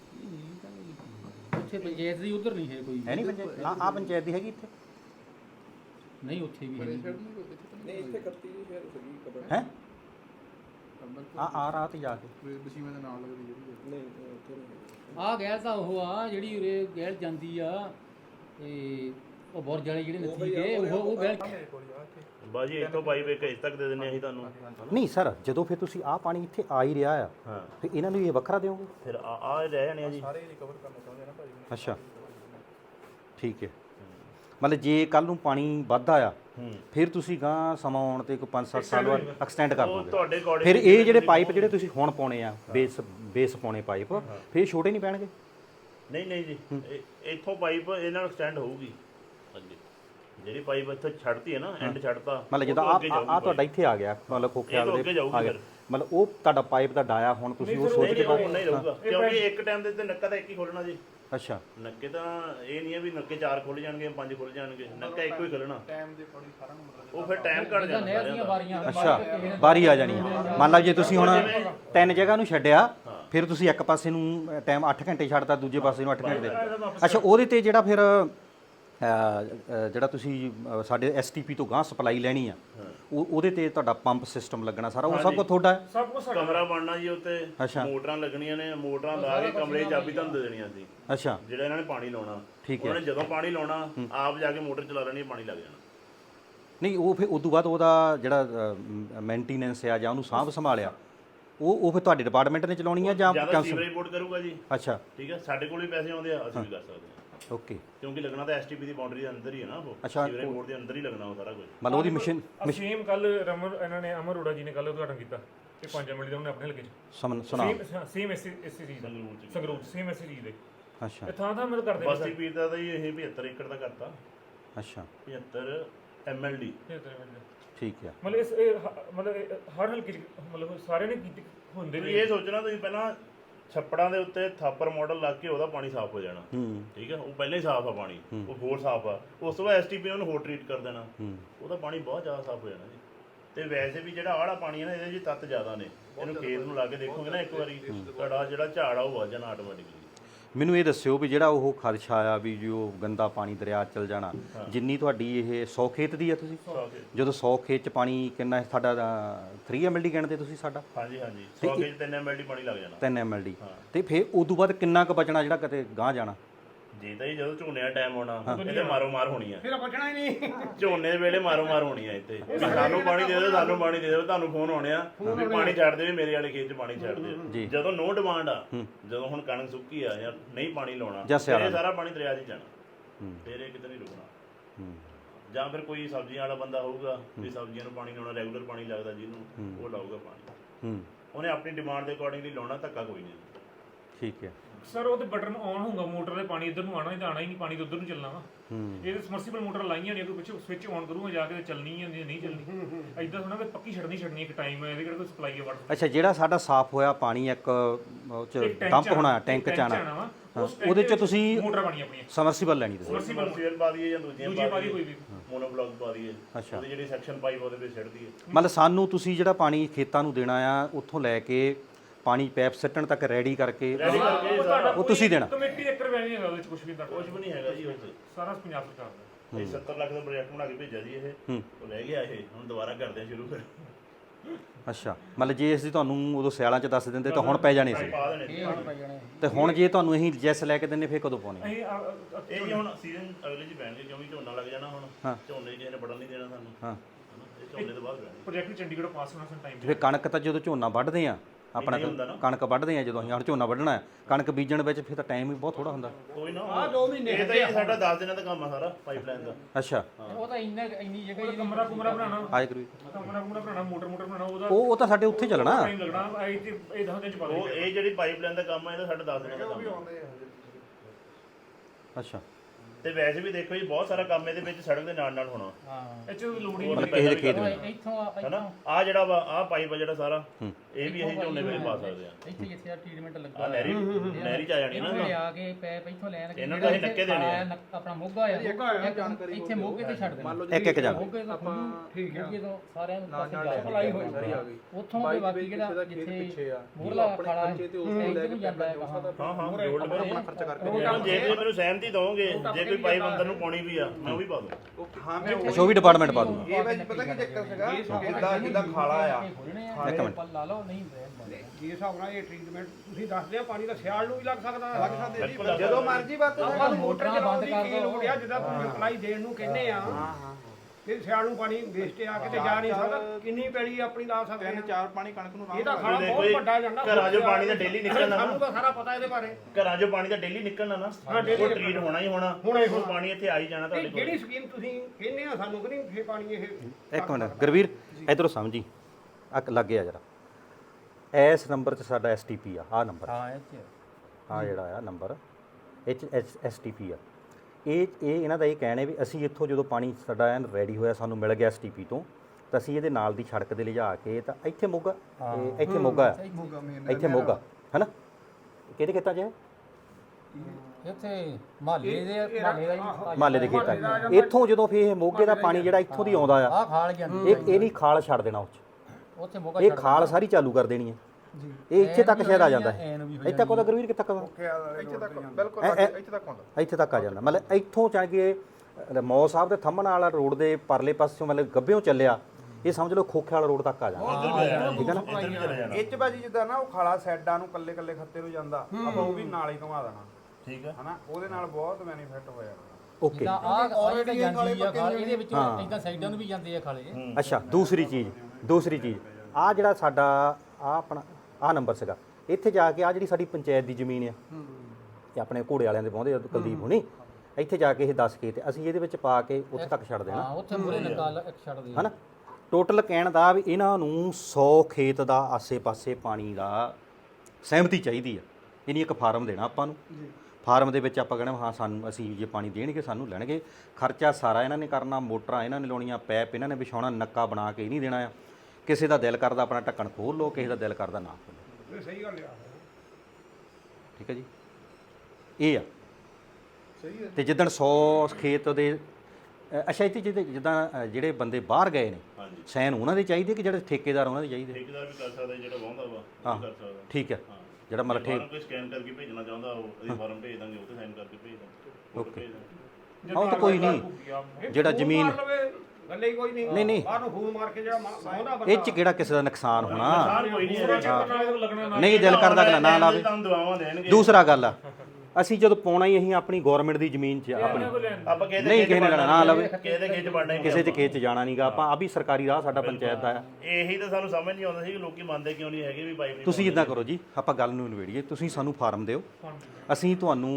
A: ਉੱਥੇ ਪੰਚਾਇਤ ਦੀ ਉਧਰ ਨਹੀਂ ਹੈ ਕੋਈ
D: ਹੈ ਨਹੀਂ ਪੰਚਾਇਤ ਆ ਪੰਚਾਇਤ ਦੀ ਹੈਗੀ ਇੱਥੇ
A: ਨਹੀਂ ਉੱਥੇ ਵੀ ਹੈ
F: ਨਹੀਂ ਇੱਥੇ 31 ਸ਼ਹਿਰ ਸੀਗੀ ਕਬਰ
D: ਹੈ ਆ ਰਾਹ ਤੇ ਜਾ ਕੇ
E: ਬਸੀਵੇਂ ਦੇ ਨਾਲ ਲੱਗਦੀ ਜਿਹੜੀ
F: ਨਹੀਂ ਉੱਥੇ ਨਹੀਂ
A: ਆ ਗੈਲ ਤਾਂ ਉਹ ਆ ਜਿਹੜੀ ਉਰੇ ਗੈਲ ਜਾਂਦੀ ਆ ਤੇ ਉਹ ਬੁਰਜ ਵਾਲੇ ਜਿਹੜੇ ਨੱਥੀ ਗਏ ਉਹ ਗੈਲ
C: ਬਾਜੀ ਇੱਥੋਂ ਪਾਈਪ ਇੱਕ ਇਸ ਤੱਕ ਦੇ ਦਿੰਨੇ ਅਸੀਂ ਤੁਹਾਨੂੰ
D: ਨਹੀਂ ਸਰ ਜਦੋਂ ਫਿਰ ਤੁਸੀਂ ਆ ਪਾਣੀ ਇੱਥੇ ਆ ਹੀ ਰਿਹਾ ਆ
C: ਹਾਂ
D: ਫਿਰ ਇਹਨਾਂ ਨੂੰ ਇਹ ਵੱਖਰਾ ਦਿਓਗੇ
C: ਫਿਰ ਆ ਰਹਿ ਜਾਣੇ ਆ ਜੀ
E: ਸਾਰੇ ਰਿਕਵਰ ਕਰਨਾ ਚਾਹੁੰਦੇ ਆ ਨਾ ਭਾਜੀ
D: ਅੱਛਾ ਠੀਕ ਹੈ ਮਤਲਬ ਜੇ ਕੱਲ ਨੂੰ ਪਾਣੀ ਵੱਧਦਾ ਆ ਫਿਰ ਤੁਸੀਂ ਗਾਂ ਸਮਾਂ ਆਉਣ ਤੇ ਕੋਈ 5-7 ਸਾਲ ਬਾਅਦ ਐਕਸਟੈਂਡ ਕਰ ਦੋਗੇ
C: ਤੁਹਾਡੇ ਅਕੋਰਡਿੰਗ
D: ਫਿਰ ਇਹ ਜਿਹੜੇ ਪਾਈਪ ਜਿਹੜੇ ਤੁਸੀਂ ਹੁਣ ਪਾਉਣੇ ਆ ਬੇਸ ਪਾਉਣੇ ਪਾਈਪ ਫਿਰ ਛੋਟੇ ਨਹੀਂ ਪੈਣਗੇ
C: ਨਹੀਂ ਜੀ ਇੱਥੋਂ ਪਾਈਪ ਇਹਨਾਂ ਨੂੰ ਐਕਸਟੈਂਡ ਹੋਊਗੀ ਅੱਗੇ ਜਿਹੜੀ ਪਾਈਪ ਇੱਥੇ ਛੱਡਤੀ ਹੈ ਨਾ ਐਂਡ ਛੱਡਤਾ
D: ਮਤਲਬ ਜਦੋਂ ਆ ਤੁਹਾਡਾ ਇੱਥੇ ਆ ਗਿਆ ਮਤਲਬ ਖੋਖਿਆਲ ਦੇ ਆ ਗਿਆ ਮਤਲਬ ਉਹ ਤੁਹਾਡਾ ਪਾਈਪ ਦਾ ਡਾਇਆ ਹੁਣ ਤੁਸੀਂ ਉਹ ਸੋਚ ਕੇ
C: ਨਹੀਂ ਰਹੂਗਾ ਕਿਉਂਕਿ ਇੱਕ ਟਾਈਮ ਦੇ ਤੇ ਨੱਕਾ ਤਾਂ ਇੱਕ ਹੀ ਖੋਲਣਾ ਜੀ
D: ਅੱਛਾ
C: ਨੱਕੇ ਤਾਂ ਇਹ ਨਹੀਂ ਹੈ ਵੀ ਨੱਕੇ 4 ਖੁੱਲ ਜਾਣਗੇ 5 ਖੁੱਲ ਜਾਣਗੇ ਨੱਕਾ ਇੱਕੋ ਹੀ ਖੁੱਲਣਾ
E: ਟਾਈਮ ਦੇ ਅਕੋਰਡਿੰਗ ਸਾਰਾ ਨੂੰ ਮਤਲਬ
C: ਉਹ ਫਿਰ ਟਾਈਮ ਘਟ ਜਾਂਦਾ
A: ਨਹਿਰ ਦੀਆਂ ਵਾਰੀਆਂ
D: ਅੱਛਾ ਬਾਰੀ ਆ ਜਾਣੀ ਹੈ ਮੰਨ ਲਓ ਜੇ ਤੁਸੀਂ ਹੁਣ 3 ਜਗ੍ਹਾ ਨੂੰ ਛੱਡਿਆ ਫਿਰ ਤੁਸੀਂ ਇੱਕ ਪਾਸੇ ਨੂੰ ਟਾਈਮ 8 ਘੰਟੇ ਛੱਡਦਾ ਦੂਜੇ ਪਾਸੇ ਨੂੰ 8 ਘੰਟੇ ਅੱਛਾ ਉਹਦੇ ਤੇ ਜਿਹੜਾ ਫਿਰ ਜਿਹੜਾ ਤੁਸੀਂ ਸਾਡੇ ਐਸਟੀਪੀ ਤੋਂ ਗਾਂ ਸਪਲਾਈ ਲੈਣੀ ਆ ਉਹਦੇ ਤੇ ਤੁਹਾਡਾ ਪੰਪ ਸਿਸਟਮ ਲੱਗਣਾ ਸਾਰਾ ਉਹ ਸਭ ਕੁਝ ਤੁਹਾਡਾ ਹੈ
B: ਸਭ ਕੁਝ
C: ਕਮਰਾ ਬਣਨਾ ਜੀ ਉੱਤੇ
D: ਅੱਛਾ
C: ਮੋਟਰਾਂ ਲੱਗਣੀਆਂ ਨੇ ਮੋਟਰਾਂ ਲਾ ਕੇ ਕਮਰੇ ਦੀ ਚਾਬੀ ਤੁਹਾਨੂੰ ਦੇ ਦੇਣੀਆਂ ਸੀ
D: ਅੱਛਾ
C: ਜਿਹੜਾ ਇਹਨਾਂ ਨੇ ਪਾਣੀ ਲਾਉਣਾ
D: ਠੀਕ ਹੈ
C: ਉਹਨਾਂ ਨੇ ਜਦੋਂ ਪਾਣੀ ਲਾਉਣਾ ਆਪ ਜਾ ਕੇ ਮੋਟਰ ਚਲਾ ਲੈਣੀ ਪਾਣੀ ਲੱਗ ਜਾਣਾ
D: ਨਹੀਂ ਉਹ ਫਿਰ ਉਸ ਤੋਂ ਬਾਅਦ ਉਹਦਾ ਜਿਹੜਾ ਮੇਨਟੇਨੈਂਸ ਆ ਜਾਂ ਉਹਨੂੰ ਸਾਂਭ ਸੰਭਾਲਿਆ ਉਹ ਫਿਰ ਤੁਹਾਡੇ ਡਿਪਾਰਟਮੈਂਟ ਨੇ ਚਲਾਉਣੀ ਆ ਜਾਂ
C: ਜਾਂ ਤਾਂ
D: ਕੈਂਸਲ?
C: ਸੀਵਰੇਜ ਬੋਰਡ ਕਰੂਗਾ ਜੀ,
D: ਅੱਛਾ
C: ਠੀਕ ਹੈ, ਸਾਡੇ ਕੋਲ ਵੀ ਪੈਸੇ ਆਉਂਦੇ ਆ, ਅਸੀਂ ਵੀ ਕਰ ਸਕਦੇ ਹਾਂ,
D: ਓਕੇ।
C: ਕਿਉਂਕਿ ਲੱਗਣਾ ਤਾਂ ਐਸਟੀਪੀ ਦੀ ਬਾਉਂਡਰੀ ਦੇ ਅੰਦਰ ਹੀ ਹੈ ਨਾ, ਉਹ
D: ਅੱਛਾ,
C: ਸੀਵਰੇਜ ਬੋਰਡ ਦੇ ਅੰਦਰ ਹੀ ਲੱਗਣਾ ਉਹ ਸਾਰਾ ਕੁਝ।
D: ਮਤਲਬ ਉਹਦੀ ਮਸ਼ੀਨ
B: ਸੇਮ ਕੱਲ ਇਹਨਾਂ ਨੇ ਅਮਰ ਅਰੋੜਾ ਜੀ ਨੇ ਕੱਲ ਉਦਘਾਟਨ ਕੀਤਾ ਇਹ 5 ਮਿੰਟ ਦੇ ਉਹਨੇ ਆਪਣੇ ਹਲਕੇ 'ਚ
D: ਸੁਣਾ
B: ਸੇਮ ਐਸੀ ਚੀਜ਼ ਸੰਗਰੂਰ ਸੇਮ ਐਸੀ ਚੀਜ਼ ਦੇ
D: ਅੱਛਾ
B: ਇਹ ਥਾਂ ਮਦਦ ਕਰਦੇ
C: ਬਸਤੀ ਪੀਰ ਦਾ ਤਾਂ ਜੀ ਇਹ 75 ਏਕੜ ਦਾ ਕਰਤਾ,
D: ਅੱਛਾ
C: 75 MLD।
D: ਠੀਕ ਹੈ।
B: ਮਤਲਬ ਮਤਲਬ ਹਰ ਹਲਕੇ 'ਚ ਮਤਲਬ ਸਾਰਿਆਂ ਨੇ ਕੀਤੀ ਹੁੰਦੇ
C: ਤੁਸੀਂ ਇਹ ਸੋਚਣਾ ਤੁਸੀਂ ਪਹਿਲਾਂ ਛੱਪੜਾਂ ਦੇ ਉੱਤੇ ਥਾਪਰ ਮਾਡਲ ਲਾ ਕੇ ਉਹਦਾ ਪਾਣੀ ਸਾਫ਼ ਹੋ ਜਾਣਾ,
D: ਹੂੰ
C: ਠੀਕ ਹੈ, ਉਹ ਪਹਿਲਾਂ ਹੀ ਸਾਫ਼ ਆ ਪਾਣੀ, ਉਹ ਹੋਰ ਸਾਫ਼ ਆ, ਉਸ ਤੋਂ ਬਾਅਦ ਐਸਟੀਪੀ ਉਹਨੂੰ ਹੋਰ ਟ੍ਰੀਟ ਕਰ ਦੇਣਾ, ਉਹਦਾ ਪਾਣੀ ਬਹੁਤ ਜ਼ਿਆਦਾ ਸਾਫ਼ ਹੋ ਜਾਣਾ ਜੀ। ਤੇ ਵੈਸੇ ਵੀ ਜਿਹੜਾ ਆੜਾ ਪਾਣੀ ਹੈ ਨਾ ਇਹਦੇ 'ਚ ਤੱਤ ਜ਼ਿਆਦਾ ਨੇ, ਇਹਨੂੰ ਖੇਤ ਨੂੰ ਲਾ ਕੇ ਦੇਖੋਗੇ ਨਾ ਇੱਕ ਵਾਰੀ, ਤੁਹਾਡਾ ਜਿਹੜਾ ਝਾੜ ਆ ਉਹ ਵੱਧ ਜਾਣਾ ਆਟੋਮੈਟਿਕਲੀ।
D: ਮੈਨੂੰ ਇਹ ਦੱਸਿਓ ਵੀ ਜਿਹੜਾ ਉਹ ਖਦਸ਼ਾ ਆ ਵੀ ਜੋ ਗੰਦਾ ਪਾਣੀ ਦਰਿਆ 'ਚ ਚਲ ਜਾਣਾ, ਜਿੰਨੀ ਤੁਹਾਡੀ ਇਹ 100 ਖੇਤ ਦੀ ਆ, ਤੁਸੀਂ ਜਦੋਂ 100 ਖੇਤ 'ਚ ਪਾਣੀ ਕਿੰਨਾ ਸਾਡਾ 3 MLD ਗਿਣਦੇ ਤੁਸੀਂ ਸਾਡਾ?
C: ਹਾਂਜੀ ਹਾਂਜੀ 100 ਕੇ 3 MLD ਪਾਣੀ ਲੱਗ ਜਾਣਾ,
D: 3 MLD। ਤੇ ਫਿਰ ਉਦੋਂ ਬਾਅਦ ਕਿੰਨਾ ਕੁ ਬਚਣਾ ਜਿਹੜਾ ਕਿਤੇ ਗਾਂਹ ਜਾਣਾ?
C: ਜੇ ਤਾਂ ਜੀ ਜਦੋਂ ਝੋਨੇ ਦਾ ਟਾਈਮ ਆਉਣਾ ਇਹਦੇ ਮਾਰੋ ਮਾਰ ਹੋਣੀ ਆ,
E: ਫਿਰ ਬਚਣਾ ਹੀ ਨਹੀਂ।
C: ਝੋਨੇ ਦੇ ਵੇਲੇ ਮਾਰੋ ਮਾਰ ਹੋਣੀ ਆ ਇੱਥੇ, ਵੀ ਸਾਨੂੰ ਪਾਣੀ ਦੇ ਦਿਓ, ਸਾਨੂੰ ਪਾਣੀ ਦੇ ਦਿਓ, ਤੁਹਾਨੂੰ ਫੋਨ ਆਉਣੇ ਆ ਵੀ ਪਾਣੀ ਛੱਡ ਦਿਓ, ਮੇਰੇ ਵਾਲੇ ਖੇਤ 'ਚ ਪਾਣੀ ਛੱਡ ਦਿਓ। ਜਦੋਂ ਨੋ ਡਿਮਾਂਡ ਆ, ਜਦੋਂ ਹੁਣ ਕਣਕ ਸੁੱਕੀ ਆ ਜਾਂ ਨਹੀਂ ਪਾਣੀ ਲਾਉਣਾ, ਫਿਰ ਇਹ ਸਾਰਾ ਪਾਣੀ ਦਰਿਆ 'ਚ ਜਾਣਾ, ਫਿਰ ਇਹ ਕਿਤੇ ਨਹੀਂ ਰੁਕਣਾ। ਜਾਂ ਫਿਰ ਕੋਈ ਸਬਜ਼ੀਆਂ ਵਾਲਾ ਬੰਦਾ ਹੋਊਗਾ ਵੀ ਸਬਜ਼ੀਆਂ ਨੂੰ ਪਾਣੀ ਲਾਉਣਾ, ਰੈਗੂਲਰ ਪਾਣੀ ਲੱਗਦਾ ਜਿਹਨੂੰ, ਉਹ ਲਾਊਗਾ ਪਾਣੀ, ਉਹਨੇ ਆਪਣੀ ਡਿਮਾਂਡ ਦੇ ਅਕੋਰਡਿੰਗਲੀ ਲਾਉਣਾ, ਧੱਕਾ ਕੋਈ ਨਹੀਂ।
D: ਠੀਕ ਹੈ
B: ਸਰ ਉਹ ਤੇ ਬਟਨ ਆਨ ਹੋਊਗਾ ਮੋਟਰ ਦੇ, ਪਾਣੀ ਇੱਧਰ ਨੂੰ ਆਣਾ ਹੀ ਤਾਂ ਆਣਾ ਹੀ ਨਹੀਂ, ਪਾਣੀ ਤਾਂ ਉੱਧਰ ਨੂੰ ਚੱਲਣਾ ਵਾ। ਇਹ ਤੇ ਸਮਰਸੀਬਲ ਮੋਟਰ ਲਾਈਆਂ ਨੇ, ਕੋਈ ਪਿੱਛੇ ਸਵਿਚ ਆਨ ਕਰੂਗਾ ਜਾ ਕੇ ਤੇ ਚੱਲਣੀ ਹੈ ਨਹੀਂ ਚੱਲਣੀ, ਐਦਾਂ ਥੋੜਾ ਕਿ ਪੱਕੀ ਛੱਡਣੀ ਇੱਕ ਟਾਈਮ ਹੈ, ਇਹਦੇ ਕਿਹੜਾ ਕੋਈ ਸਪਲਾਈ ਹੈ ਵਾਟਰ।
D: ਅੱਛਾ, ਜਿਹੜਾ ਸਾਡਾ ਸਾਫ਼ ਹੋਇਆ ਪਾਣੀ ਇੱਕ ਉਹ 'ਚ ਡੰਪ ਹੋਣਾ, ਟੈਂਕ 'ਚ ਆਣਾ, ਉਹਦੇ 'ਚ ਤੁਸੀਂ
B: ਮੋਟਰ ਪਾਣੀ ਆਪਣੀ
D: ਸਮਰਸੀਬਲ ਲੈਣੀ ਤੁਸੀਂ?
C: ਸਮਰਸੀਬਲ ਪਾ ਦਈਏ ਜਾਂ ਦੂਜੀਆਂ ਪਾ ਦਈਏ,
B: ਕੋਈ ਵੀ
C: ਮੋਨੋਬਲੌਕ ਪਾ ਦਈਏ, ਉਹਦੀ ਜਿਹੜੀ ਸੈਕਸ਼ਨ ਪਾਈਪ ਉਹਦੇ ਵਿੱਚ ਛੱਡਦੀ ਹੈ।
D: ਮਤਲਬ ਸਾਨੂੰ ਤੁਸੀਂ ਜਿਹੜਾ ਪਾਣੀ ਖੇਤਾਂ ਨੂੰ ਦੇਣਾ ਆ, ਉੱਥੋਂ ਲੈ ਕੇ ਪਾਣੀ ਪੈਪ ਸੱਟਣ ਤੱਕ ਰੈਡੀ ਕਰਕੇ ਉਹ ਤੁਸੀਂ ਦੇਣਾ?
B: ਕਮੇਟੀ 1 ਰੁਪਏ ਨਹੀਂ ਹੈਗਾ ਉਹਦੇ 'ਚ, ਕੁਝ ਵੀ
C: ਨਹੀਂ ਹੈਗਾ ਜੀ, ਉਹ 'ਚ
B: ਸਾਰਾ ਪੰਜਾਬ ਸਰਕਾਰ ਦਾ।
C: ਇਹ 70 ਲੱਖ ਦਾ ਪ੍ਰੋਜੈਕਟ ਬਣਾ ਕੇ ਭੇਜਿਆ ਜੀ, ਇਹ ਉਹ ਲੈ ਗਿਆ, ਇਹ ਹੁਣ ਦੁਬਾਰਾ ਕਰਦੇ ਆ ਸ਼ੁਰੂ ਫਿਰ।
D: ਅੱਛਾ, ਮਤਲਬ ਜੇ ਅਸੀਂ ਤੁਹਾਨੂੰ ਉਦੋਂ ਸਿਆਲਾਂ 'ਚ ਦੱਸ ਦਿੰਦੇ ਤਾਂ ਹੁਣ ਪੈ ਜਾਣੇ ਸੀ,
C: ਪਾ ਦੇਣੇ ਸੀ।
D: ਤੇ ਹੁਣ ਜੇ ਤੁਹਾਨੂੰ ਅਸੀਂ ਜੈਸ ਲੈ ਕੇ ਦਿੰਨੇ ਫਿਰ ਕਦੋਂ ਪਾਉਣੇ?
C: ਇਹ ਵੀ ਹੁਣ ਸੀਜ਼ਨ ਅਗਲੇ 'ਚ ਪੈਣਗੇ, ਕਿਉਂਕਿ ਝੋਨਾ ਲੱਗ ਜਾਣਾ ਹੁਣ, ਝੋਨੇ 'ਚ ਕਿਸੇ ਨੇ ਵੜਨ ਨਹੀਂ ਦੇਣਾ ਸਾਨੂੰ,
D: ਹਾਂ
C: ਇਹ ਝੋਨੇ ਤੋਂ ਬਾਅਦ ਪੈਣਗੇ।
B: ਪ੍ਰੋਜੈਕਟ ਚੰਡੀਗੜ੍ਹ ਪਾਸ ਹੋਣਾ ਸੀ ਟਾਈਮ
D: ਫਿਰ ਕਣਕ ਤਾਂ ਜਦੋਂ ਝੋਨਾ ਵੱਢਦੇ ਆ ਆਪਣਾ, ਕਣਕ ਵੱਢਦੇ ਆ ਜਦੋਂ ਅਸੀਂ ਹੁਣ ਝੋਨਾ ਵੱਢਣਾ ਹੈ, ਕਣਕ ਬੀਜਣ ਵਿੱਚ ਫਿਰ ਤਾਂ ਟਾਈਮ ਵੀ ਬਹੁਤ ਥੋੜਾ ਹੁੰਦਾ।
C: ਕੋਈ ਨਾ 2 ਮਹੀਨੇ ਇਹ ਤਾਂ ਜੀ ਸਾਡਾ 10 ਦਿਨਾਂ ਦਾ ਕੰਮ ਆ ਸਾਰਾ ਪਾਈਪਲਾਈਨ ਦਾ।
D: ਅੱਛਾ,
A: ਉਹ ਤਾਂ ਇੰਨੀ ਜਗ੍ਹਾ
B: ਕਮਰਾ ਬਣਾਉਣਾ,
D: ਆਏ ਕਰੀ
B: ਕਮਰਾ ਬਣਾਉਣਾ, ਮੋਟਰ ਬਣਾਉਣਾ, ਉਹਦਾ
D: ਉਹ ਤਾਂ ਸਾਡੇ ਉੱਥੇ ਚੱਲਣਾ।
B: ਟਾਈਮ ਲੱਗਣਾ, ਇਹ 10 ਦਿਨ ਚ ਪਾ
C: ਉਹ ਇਹ ਜਿਹੜੀ ਪਾਈਪਲਾਈਨ ਦਾ ਕੰਮ ਆ ਇਹਦਾ ਸਾਡਾ 10 ਦਿਨਾਂ ਦਾ ਕੰਮ ਆ।
D: ਅੱਛਾ,
C: ਤੇ ਵੈਸੇ ਵੀ ਦੇਖੋ ਜੀ ਬਹੁਤ ਸਾਰਾ ਕੰਮ ਇਹਦੇ ਵਿੱਚ ਸੜਕ ਦੇ ਨਾਲ ਨਾਲ ਹੋਣਾ।
A: ਹਾਂ,
B: ਇਹ ਚ ਲੋੜ ਹੀ
D: ਮਤਲਬ ਕਿਸੇ ਦੇ ਖੇਤ ਵਿੱਚ
A: ਇੱਥੋਂ
C: ਆ ਜਿਹੜਾ ਵਾ ਆ ਪਾਈਪ ਆ ਜਿਹੜਾ ਸਾਰਾ, ਇਹ ਵੀ ਅਸੀਂ ਝੋਨੇ ਵੇਲੇ ਪਾ ਸਕਦੇ ਆ।
A: ਇੱਥੇ ਜਿੱਥੇ ਟ੍ਰੀਟਮੈਂਟ ਲੱਗਾ
C: ਆ ਨਹਿਰੀ ਚ ਆ ਜਾਣੀ ਨਾ,
A: ਇੱਥੋਂ ਲਿਆ ਕੇ ਪੈਪ ਇੱਥੋਂ ਲੈਣ ਕੇ
C: ਇਹਨਾਂ ਦਾ ਅਸੀਂ ਨੱਕੇ ਦੇਣੇ ਆ।
A: ਆਪਣਾ ਮੋਗਾ ਆ, ਇੱਥੇ ਮੋਗੇ ਤੇ ਛੱਡ ਦੇਣਾ,
D: ਇੱਕ ਜਾਣਾ।
A: ਮੋਗੇ ਤੋਂ ਠੀਕ ਹੈ, ਮੋਗੇ ਤੋਂ ਸਾਰਿਆਂ ਨੂੰ ਸਪਲਾਈ ਹੋਈ ਸਾਰੀ ਆ ਗਈ ਉੱਥੋਂ ਦੇ ਬਾਕੀ ਜਿਹੜਾ ਜਿੱਥੇ ਮੋਰਲਾ ਖਾਲਾ ਹੈ ਤੇ ਉਸ ਤੋਂ ਲੈ ਕੇ ਜਾਂਦਾ ਹੈ।
C: ਹਾਂ ਹਾਂ ਆਪਣਾ ਖਰਚਾ ਕਰਕੇ ਜੇ ਤੁਸੀਂ ਮੈਨੂੰ ਸਹਿਮਤੀ ਦੋਗੇ, ਜੇ ਕੋਈ ਪਾਈਪ ਅੰਦਰ ਨੂੰ ਪਾਉਣੀ ਵੀ ਆ ਮੈਂ ਉਹ ਵੀ ਪਾ ਦੂੰ।
F: ਹਾਂ ਮੈਂ
D: ਅੱਛਾ, ਉਹ ਵੀ ਡਿਪਾਰਟਮੈਂਟ ਪਾ ਦੂੰਗਾ।
F: ਇਹ ਭਾਜੀ ਪਤਾ ਕੀ ਚੱਕਰ ਸੀਗਾ, ਜਿੱਦਾਂ ਖਾਲਾ ਆ,
D: ਇੱਕ ਮਿੰਟ
A: ਲਾ ਲਓ ਨਹੀਂ
E: ਜਿਸ ਹਿਸਾਬ ਨਾਲ ਇਹ ਟ੍ਰੀਟਮੈਂਟ ਤੁਸੀਂ ਦੱਸਦੇ ਆ, ਪਾਣੀ ਦਾ ਸਿਆਲ ਨੂੰ ਵੀ ਲੱਗ ਸਕਦਾ,
F: ਜਦੋਂ ਮਰਜ਼ੀ ਵਰਤੋ
E: ਆਪਾਂ ਨੂੰ ਮੋਟਰ ਚਲਾਉਣ ਦੀ ਕੀ ਲੋੜ ਆ, ਜਿੱਦਾਂ ਤੁਸੀਂ ਸਪਲਾਈ ਦੇਣ ਨੂੰ ਕਹਿੰਦੇ ਆ। ਤੇ ਸਿਆਲ ਨੂੰ ਪਾਣੀ ਵੇਸਟ ਆ ਕਿਤੇ ਜਾ ਨਹੀਂ ਸਕਦਾ, ਕਿੰਨੀ ਪੈਲੀ ਆਪਣੀ ਲਾ ਸਕਦੇ ਆ,
F: 3-4 ਪਾਣੀ ਕਣਕ ਨੂੰ
E: ਇਹ ਤਾਂ ਖਾਲਾ ਬਹੁਤ ਵੱਡਾ ਜਾਂਦਾ।
C: ਘਰਾਂ 'ਚੋਂ ਪਾਣੀ ਦਾ ਡੇਲੀ ਨਿਕਲਣਾ
E: ਸਾਨੂੰ
C: ਨਾ,
E: ਤਾਂ ਸਾਰਾ ਪਤਾ ਇਹਦੇ ਬਾਰੇ।
C: ਘਰਾਂ 'ਚੋਂ ਪਾਣੀ ਦਾ ਡੇਲੀ ਨਿਕਲਣਾ ਨਾ, ਉਹ ਟ੍ਰੀਟ ਹੋਣਾ ਹੀ ਹੋਣਾ, ਉਹ ਪਾਣੀ ਇੱਥੇ ਆ ਹੀ ਜਾਣਾ ਤੁਹਾਡੇ ਕੋਲ।
E: ਜਿਹੜੀ ਸਕੀਮ ਤੁਸੀਂ ਕਹਿੰਦੇ ਆ ਸਾਨੂੰ ਕਿ ਨਹੀਂ ਫੇ ਪਾਣੀ ਇਹ
D: ਇੱਕ ਮਿੰਟ ਗੁਰਵੀਰ, ਇਧਰੋਂ ਸਮਝੀ ਲੱਗੇ ਆ ਜਰਾ। ਇਸ ਨੰਬਰ 'ਚ ਸਾਡਾ STP ਆ, ਆਹ ਨੰਬਰ,
A: ਹਾਂ ਇਹ
D: ਆ ਜਿਹੜਾ ਆ ਨੰਬਰ STP ਆ। ਇਹ ਇਹਨਾਂ ਦਾ ਇਹ ਕਹਿਣਾ ਵੀ ਅਸੀਂ ਇੱਥੋਂ ਜਦੋਂ ਪਾਣੀ ਸਾਡਾ ਐਨ ਰੈਡੀ ਹੋਇਆ, ਸਾਨੂੰ ਮਿਲ ਗਿਆ STP ਤੋਂ, ਤਾਂ ਅਸੀਂ ਇਹਦੇ ਨਾਲ ਦੀ ਸੜਕ ਦੇ ਲਿਜਾ ਕੇ ਤਾਂ ਇੱਥੇ ਮੋਗਾ, ਇੱਥੇ ਮੋਗਾ ਆ, ਇੱਥੇ ਮੋਗਾ ਹੈ ਨਾ, ਕਿਹਦੇ ਖੇਤਾਂ 'ਚ ਹੈ?
A: ਇੱਥੇ ਮਹੱਲੇ
D: ਮਾਲੇ ਦੇ ਖੇਤਾਂ 'ਚ। ਇੱਥੋਂ ਜਦੋਂ ਫਿਰ ਇਹ ਮੋਗੇ ਦਾ ਪਾਣੀ ਜਿਹੜਾ ਇੱਥੋਂ ਦੀ ਆਉਂਦਾ ਆ,
A: ਆਹ ਖਾਲ ਜਾਂਦੀ
D: ਇਹ ਨਹੀਂ ਖਾਲ ਛੱਡ ਦੇਣਾ,
A: ਉੱਥੇ ਮੋਗਾ
D: ਇਹ ਖਾਲ ਸਾਰੀ ਚਾਲੂ ਕਰ ਦੇਣੀ ਹੈ। ਇਹ ਇੱਥੇ ਤੱਕ ਸ਼ਾਇਦ ਆ ਜਾਂਦਾ ਹੈ, ਇੱਥੇ ਤੱਕ ਉਹਦਾ ਗੁਰਵੀਰ ਕਿੱਥੇ ਤੱਕ ਆਉਂਦਾ?
F: ਇੱਥੇ ਤੱਕ ਬਿਲਕੁਲ ਇੱਥੇ ਤੱਕ ਹੁੰਦਾ,
D: ਇੱਥੇ ਤੱਕ ਆ ਜਾਂਦਾ। ਮਤਲਬ ਇੱਥੋਂ ਚੱਲ ਕੇ ਮੌ ਸਾਹਿਬ ਦੇ ਥੰਮਣ ਵਾਲਾ ਰੋਡ ਦੇ ਪਰਲੇ ਪਾਸਿਓਂ ਮਤਲਬ ਗੱਭਿਓਂ ਚੱਲਿਆ, ਇਹ ਸਮਝ ਲਓ ਖੋਖੇ ਵਾਲਾ ਰੋਡ ਤੱਕ ਆ ਜਾਂਦਾ, ਠੀਕ ਹੈ ਨਾ।
F: ਇਹ ਚ ਭਾਜੀ ਜਿੱਦਾਂ ਨਾ ਉਹ ਖਾਲਾ ਸਾਈਡਾਂ ਨੂੰ ਕੱਲੇ ਕੱਲੇ ਖੱਤੇ ਨੂੰ ਜਾਂਦਾ, ਆਪਾਂ ਉਹ ਵੀ ਨਾਲ ਹੀ ਘੁਮਾ ਦੇਣਾ,
C: ਠੀਕ ਹੈ
F: ਹਨਾ, ਉਹਦੇ ਨਾਲ ਬਹੁਤ ਬੈਨੀਫਿਟ ਹੋ ਜਾਣਾ।
D: ਓਕੇ,
A: ਆਲਰੇਡੀ ਜਾਂਦੀ ਆ ਖਾਲ, ਇਹਦੇ ਵਿੱਚ ਇਦਾਂ ਸਾਈਡਾਂ ਨੂੰ ਵੀ ਜਾਂਦੇ ਆ ਖਾਲੇ।
D: ਅੱਛਾ, ਦੂਸਰੀ ਚੀਜ਼ ਆ ਜਿਹੜਾ ਸਾਡਾ ਆ ਆਪਣਾ ਆਹ ਨੰਬਰ ਸੀਗਾ। ਇੱਥੇ ਜਾ ਕੇ ਆ ਜਿਹੜੀ ਸਾਡੀ ਪੰਚਾਇਤ ਦੀ ਜ਼ਮੀਨ ਆ, ਇਹ ਆਪਣੇ ਘੋੜੇ ਵਾਲਿਆਂ ਦੇ ਪਾਉਂਦੇ ਕੁਲਦੀਪ ਹੋਣੀ, ਇੱਥੇ ਜਾ ਕੇ ਇਹ 10 ਖੇਤ ਅਸੀਂ ਇਹਦੇ ਵਿੱਚ ਪਾ ਕੇ ਉੱਥੇ ਤੱਕ ਛੱਡ ਦੇਣਾ।
A: ਹਾਂ ਉੱਥੇ ਮੂਰੇ ਨਿਕਾਲ ਇੱਕ ਛੱਡ ਦੇ
D: ਹਨਾ। ਟੋਟਲ ਕਹਿਣ ਦਾ ਵੀ ਇਹਨਾਂ ਨੂੰ 100 ਖੇਤ ਦਾ ਆਸੇ-ਪਾਸੇ ਪਾਣੀ ਦਾ ਸਹਿਮਤੀ ਚਾਹੀਦੀ ਆ। ਇਹ ਨਹੀਂ ਇੱਕ ਫਾਰਮ ਦੇਣਾ ਆਪਾਂ ਨੂੰ, ਫਾਰਮ ਦੇ ਵਿੱਚ ਆਪਾਂ ਕਹਿਣਾ ਹਾਂ ਸਾਨੂੰ ਅਸੀਂ ਜੇ ਪਾਣੀ ਦੇਣਗੇ ਸਾਨੂੰ ਲੈਣਗੇ। ਖਰਚਾ ਸਾਰਾ ਇਹਨਾਂ ਨੇ ਕਰਨਾ, ਮੋਟਰਾਂ ਇਹਨਾਂ ਨੇ ਲਾਉਣੀਆਂ, ਪੈਪ ਇਹਨਾਂ ਨੇ ਵਿਛਾਉਣਾ, ਨੱਕਾ ਬਣਾ ਕੇ ਨਹੀਂ ਦੇਣਾ ਆ। ਕਿਸੇ ਦਾ ਦਿਲ ਕਰਦਾ ਆਪਣਾ ਢੱਕਣ ਖੋਲ ਲਓ, ਕਿਸੇ ਦਾ ਦਿਲ ਕਰਦਾ ਨਾ ਖੋਲੋ।
E: ਇਹ ਸਹੀ ਗੱਲ ਆ।
D: ਠੀਕ ਹੈ ਜੀ, ਇਹ ਆ ਸਹੀ ਹੈ। ਤੇ ਜਿੱਦਣ 100 ਖੇਤ ਦੇ ਅੱਛਾ ਇੱਥੇ ਜਿੱਦਾਂ ਜਿਹੜੇ ਬੰਦੇ ਬਾਹਰ ਗਏ ਨੇ ਸੈਨ ਉਹਨਾਂ ਦੇ ਚਾਹੀਦੇ ਕਿ ਜਿਹੜੇ ਠੇਕੇਦਾਰ ਉਹਨਾਂ ਦੇ ਚਾਹੀਦੇ?
C: ਠੇਕੇਦਾਰ ਵੀ ਕਰ ਸਕਦਾ ਜਿਹੜਾ ਵਾਹੁੰਦਾ ਵਾ
D: ਹਾਂ
C: ਕਰ ਸਕਦਾ।
D: ਠੀਕ ਹੈ, ਜਿਹੜਾ ਮਤਲਬ
C: ਫਾਰਮ ਕੋਈ ਸਕੈਨ ਕਰਕੇ ਭੇਜਣਾ ਚਾਹੁੰਦਾ ਉਹ ਅਸੀਂ ਫਾਰਮ ਭੇਜ ਦਾਂਗੇ, ਉੱਥੇ ਸਾਈਨ ਕਰਕੇ ਭੇਜ ਦਾਂਗੇ।
D: ਓਕੇ, ਹਾਂ ਉਹ ਤਾਂ ਕੋਈ ਨਹੀਂ, ਜਿਹੜਾ ਜ਼ਮੀਨ
E: ਗੱਲੇ ਹੀ ਕੋਈ ਨਹੀਂ।
D: ਨਹੀਂ
E: ਬਾਹਰ ਨੂੰ ਫੋਨ ਮਾਰ ਕੇ ਜਿਹੜਾ ਵਾਹੁੰਦਾ ਬੰਦਾ
D: ਇਹ 'ਚ ਕਿਹੜਾ ਕਿਸੇ ਦਾ ਨੁਕਸਾਨ ਹੋਣਾ?
C: ਕੋਈ ਨਹੀਂ
D: ਨਹੀਂ ਦਿਲ ਕਰਦਾ ਕਿ ਨਾ ਲਾਵੇ।
C: ਤੁਹਾਨੂੰ ਦੁਆਵਾਂ ਦੇਣਗੇ।
D: ਦੂਸਰਾ ਗੱਲ ਆ, ਅਸੀਂ ਜਦੋਂ ਪਾਉਣਾ ਹੀ ਅਸੀਂ ਆਪਣੀ ਗਵਰਨਮੈਂਟ ਦੀ ਜ਼ਮੀਨ 'ਚ ਆਪਣੀ
C: ਆਪਾਂ
D: ਨਹੀਂ ਕਿਸੇ ਨੇ ਲੈਣਾ ਨਾ ਲਵੇ,
C: ਕਿਸੇ ਦੇ ਖੇਤ ਵੜਨਾ ਹੀ
D: ਕਿਸੇ 'ਚ ਖੇਤ 'ਚ ਜਾਣਾ ਨਹੀਂਗਾ ਆਪਾਂ। ਆ ਵੀ ਸਰਕਾਰੀ ਰਾਹ ਸਾਡਾ ਪੰਚਾਇਤ ਦਾ ਆ।
C: ਇਹੀ ਤਾਂ ਸਾਨੂੰ ਸਮਝ ਨਹੀਂ ਆਉਂਦਾ ਸੀ ਕਿ ਲੋਕੀ ਮੰਨਦੇ ਕਿਉਂ ਨਹੀਂ ਹੈਗੇ ਵੀ ਪਾਈਪ ਨਹੀਂ।
D: ਤੁਸੀਂ ਇਦਾਂ ਕਰੋ ਜੀ, ਆਪਾਂ ਗੱਲ ਨੂੰ ਨਿਬੇੜੀਏ। ਤੁਸੀਂ ਸਾਨੂੰ ਫਾਰਮ ਦਿਓ, ਅਸੀਂ ਤੁਹਾਨੂੰ